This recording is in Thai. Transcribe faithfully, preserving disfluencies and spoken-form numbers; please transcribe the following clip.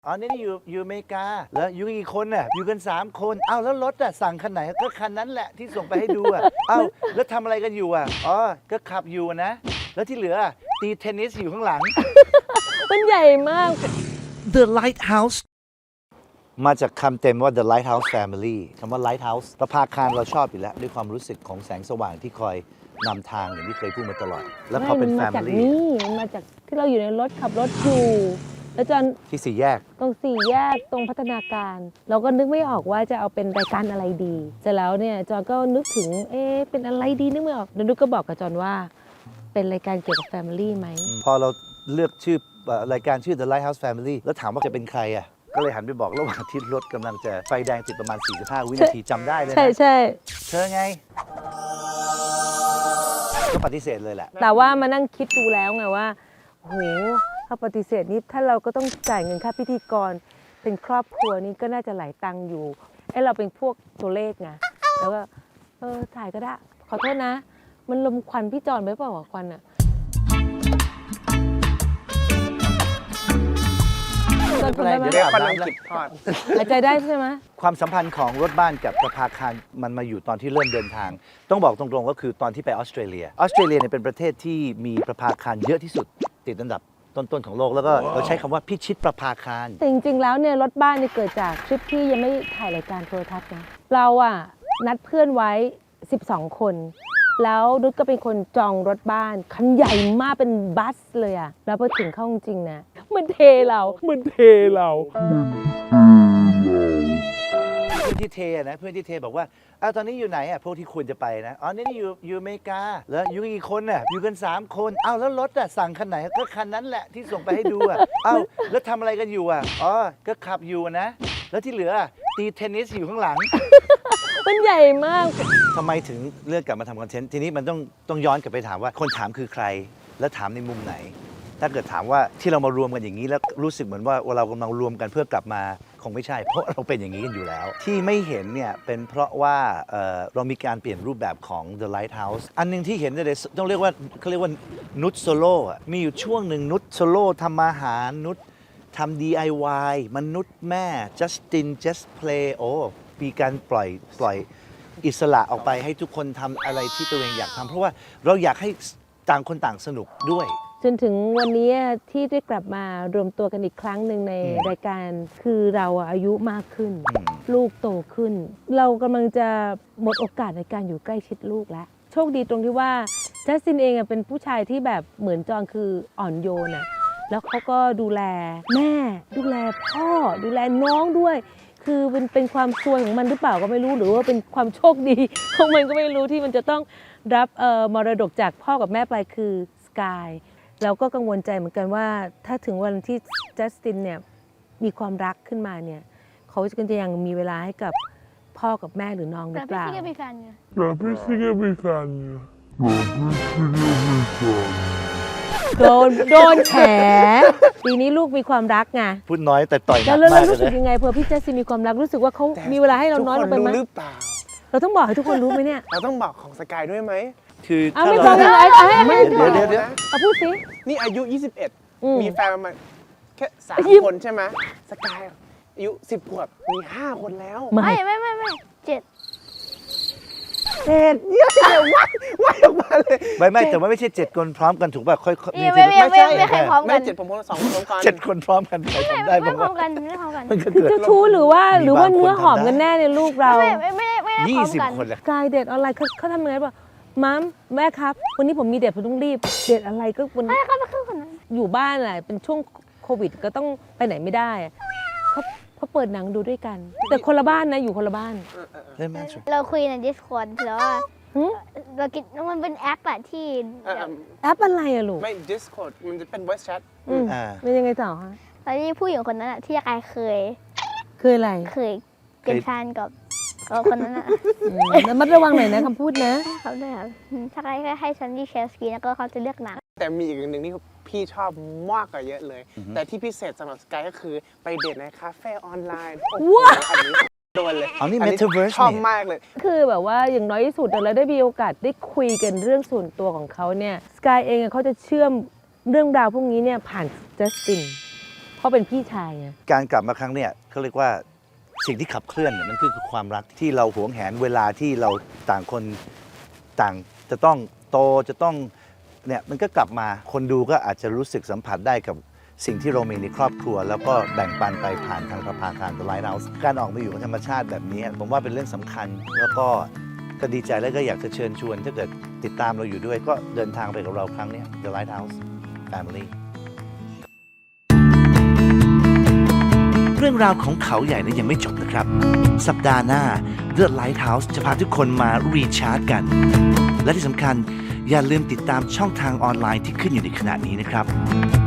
อ๋อนี่อยู่อยู่อเมริกาแล้วอยู่กี่คนน่ะอยู่กันสามคนอ้าวแล้วรถอ่ะสั่งคันไหนก็คันนั้นแหละที่ส่งไปให้ดูอ่ะอ้าวแล้วทำอะไรกันอยู่อ่ะอ๋อก็ขับอยู่นะแล้วที่เหลือตีเทนนิสอยู่ข้างหลังมันใหญ่มาก The Lighthouse มาจากคำเต็มว่า The Lighthouse Family คำว่า Lighthouse ประภาคารเราชอบอยู่แล้วด้วยความรู้สึกของแสงสว่างที่คอยนำทางอย่างที่เคยพูดมาตลอดแล้วพอเป็นไม่มันมาจาก Family นี่มันมาจากที่เราอยู่ในรถขับรถอยู่แล้วจอนที่สี่แยกตรงสี่แยกตรงพัฒนาการ เราก็นึกไม่ออกว่าจะเอาเป็นรายการอะไรดีเสร็จแล้วเนี่ยจอนก็นึกถึงเอ๊ะเป็นอะไรดีนึกไม่ออกแล้วนุกก็บอกกับจอนว่าเป็นรายการเกี่ยวกับ Family ไหมพอเราเลือกชื่อรายการชื่อ The Lighthouse Family แล้วถามว่าจะเป็นใครอ่ะก็เลยหันไปบอกระหว่างที่รถกำลังจะไฟแดงติดประมาณสี่สิบห้าวินาทีจำได้เลยนะใช่ใช่เธอไงก็ปฏิเสธเลยแหละแต่ว่ามานั่งคิดดูแล้วไงว่าโหถ้าปฏิเสธนี่ถ้าเราก็ต้องจ่ายเงินค่าพิธีกรเป็นครอบครัวนี่ก็น่าจะหลายตังค์อยู่ไอ้เราเป็นพวกตัวเลขไงแล้วก็เออถ่ายก็ได้ขอโทษนะมันลมควันพี่จอนไปเปล่าควันอะจอนทนได้ไหมเดี๋ยวควันอังกฤษทอดหายใจได้ใช่ไหมความสัมพันธ์ของรถบ้านกับประภาคารมันมาอยู่ตอนที่เริ่มเดินทาง ต้องบอกตรงๆก็คือตอนที่ไปออสเตรเลียออสเตรเลียเนี่ยเป็นประเทศที่มีประภาคารเยอะที่สุดติดอันดับต้นๆของโลกแล้วก็เราใช้คำว่าพิชิตประภาคารแต่จริงๆแล้วเนี่ยรถบ้านเนี่ยเกิดจากทริปที่ยังไม่ถ่ายรายการโทรทัศน์นะเราอะนัดเพื่อนไว้สิบสองคนแล้วนุชก็เป็นคนจองรถบ้านคันใหญ่มากเป็นบัสเลยอะแล้วพอถึงเข้าจริงๆนะมันเทเรามันเทเราเพื่อนที่เทนะเพื่อนที่เทบอกว่าอ้าวตอนนี้อยู่ไหนอ่ะพวกที่ควรจะไปนะอ๋อนี่อยู่อยู่อเมริกาแล้วอยู่กี่คนน่ะอยู่กันสามคนอ้าวแล้วรถอ่ะสั่งคันไหนก็คันนั้นแหละที่ส่งไปให้ดูอ่ะอ้าวแล้วทำอะไรกันอยู่อ่ะอ๋อก็ขับอยู่นะแล้วที่เหลือตีเทนนิสอยู่ข้างหลังมันใหญ่มากทำไมถึงเลือกกลับมาทำคอนเทนต์ทีนี้มันต้องต้องย้อนกลับไปถามว่าคนถามคือใครและถามในมุมไหน ถ้าเกิดถามว่าที่เรามารวมกันอย่างนี้แล้วรู้สึกเหมือนว่าเรากำลังรวมกันเพื่อกลับมาคงไม่ใช่ เพราะเราเป็นอย่างนี้กันอยู่แล้ว ที่ไม่เห็นเนี่ยเป็นเพราะว่าเอ่อเรามีการเปลี่ยนรูปแบบของ The Lighthouse อันหนึงที่เห็นเลยต้องเรียกว่าเขาเรียกว่านุชโซโล่อะมีอยู่ช่วงหนึ่งนุชโซโล่ทำอาหารนุชทำ ดี ไอ วาย มนุษย์แม่ Justin Just Play โอ้มีการปล่อยปล่อยอิสระออกไปให้ทุกคนทำอะไรที่ตัวเองอยากทำเพราะว่าเราอยากให้ต่างคนต่างสนุกด้วยจนถึงวันนี้ที่ได้กลับมารวมตัวกันอีกครั้งหนึ่งในอืมรายการคือเราอะอายุมากขึ้นอืมลูกโตขึ้น เรากำลังจะหมดโอกาสในการอยู่ใกล้ชิดลูกแล้ว โชคดีตรงที่ว่าจัสตินเองอะเป็นผู้ชายที่แบบเหมือนจองคืออ่อนโยนอะแล้วเขาก็ดูแลแม่ ดูแลพ่อ ดูแลน้องด้วย คือเป็นเป็นความซวยของมันหรือเปล่าก็ไม่รู้หรือว่าเป็นความโชคดีของมันก็ไม่รู้ที่มันจะต้องรับเอ่อมรดกจากพ่อกับแม่ไปคือสกายเราก็กังวลใจเหมือนกันว่าถ้าถึงวันที่จัสตินเนี่ยมีความรักขึ้นมาเนี่ยเขาจะยังมีเวลาให้กับพ่อกับแม่หรือน้องหรืแต่อเปพี่ล่าซี่ก็มีแฟนไง Tapi sigue picando. Tapi sigue picando. โดนโดนแฉปีนี้ลูกมีความรักไงพูดน้อยแต่ต่อยหนัแล้กวเรามากเลรู้ยสึกนะยังไงเผื่อพี่จัสตินมีความรักรู้สึกว่าเขามีเวลาให้เราน้อยลงไปไหมทุกคนรู้หรือเปล่าเราต้องบอกให้ทุกคนรู้ไหมเนี่ยเราต้องบอกของสกายด้วยไหมคือเอาถ้าไม่เราบอกเลยเอาให้ให้เดี๋ยวเดี๋ยวเดี๋ยวเอาพูดสินี่อายุ ยี่สิบเอ็ดอืมมีแฟนประมาณแค่สามยี่สิบคนใช่ไหมสกายอายุสิบขวบ มีห้าคนแล้วไม่ไม่ไม่ไม่ไม่เจ็ดเจ็ดเยอะเลยว่ายว่ายออกมาเลยไม่ไม่แต่ว่าไม่ใช่เจ็ดคนพร้อมกันถูกป่ะค่อยๆไม่ไม่ไม่ไม่ไม่ใครพร้อมไม่กันเจ็ดผมพร้อมสองคนพร้อมกันเจ็ดคนพร้อมกันใครทำได้ไม่บ้างพร้อวะมกันไม่พร้อมกันมันก็คือเกิดเจ้าชู้หรือว่ามีหรือว่าบางคนเนื้อหอมทำได้กันแน่ในลูกเราไม่ไม่ไม่ไม่ได้พยี่ร้อมสิบกันคนเลยกายเดทออนไลน์เขาเขาทำยังไงป่ะมัมแม่ครับ วันนี้ผมมีเดทผมต้องรีบเดทอะไรก็วันให้เขาไปขึ้นคนนั้นอยู่บ้านแหละเป็นช่วงโควิดก็ต้องไปไหนไม่ได้อะเขาเขาเปิดหนังดูด้วยกัน แต่คนละบ้านนะอยู่คนละบ้านเล่นแม่สุดเราคุยใน Discord แล้วว่าหึเรากินมันเป็นแอปอะที่เอ่อแอปอะไรอะลูกไม่ Discord มันจะเป็น voice chat อืมอ่าเป็นยังไงต่อคะตอนนี้ผู้หญิงคนนั้นอะที่กายเคยคืออะไรเคยเป็นแฟนกับกับคนนั้นอะอืมระมัดระวังหน่อยนะคำพูดนะเขาด้วยครับอืมถ้ากายก็ให้ฉันดีแชร์สกรีนแล้วก็เขาจะเลือกหนังแต่มีอีกอย่างหนึ่งที่พี่ชอบมากกว่าเยอะเลย แต่ที่พิเศษสำหรับสกายก็คือไปเดทในคาเฟ่ออนไลน์โอ้โหว้าวอันนี้โดนเลยเอานี่อั Metaverse ชอบนี่มากเลยคือแบบว่าอย่างน้อยที่สุดเราได้มีโอกาสได้คุยกันเรื่องส่วนตัวของเขาเนี่ยสกายเองอะเขาจะเชื่อมเรื่องราวพวกนี้เนี่ยผ่านจัสตินเพราะเป็นพี่ชายไงการกลับมาครั้งเนี้ยเขาเรียกว่าสิ่งที่ขับเคลื่อนเนี่ยมันคือคือความรักที่เราหวงแหนเวลาที่เราต่างคนต่างจะต้องโตจะต้องเนี่ยมันก็กลับมาคนดูก็อาจจะรู้สึกสัมผัสได้กับสิ่งที่เรามีในครอบครัว แล้วก็แบ่งปันไปผ่านทางประพาทาง The Lighthouse การออกมาอยู่กับธรรมชาติแบบนี้ผมว่าเป็นเรื่องสำคัญ แล้วก็ก็ดีใจแล้วก็อยากจะเชิญชวนถ้าเกิดติดตามเราอยู่ด้วยก็เดินทางไปกับเราครั้งเนี้ย The Lighthouse Family เรื่องราวของเขาใหญ่นั้นยังไม่จบนะครับ สัปดาห์หน้า The Lighthouse จะพาทุกคนมารีชาร์จกัน และที่สำคัญอย่าลืมติดตามช่องทางออนไลน์ที่ขึ้นอยู่ในขณะนี้นะครับ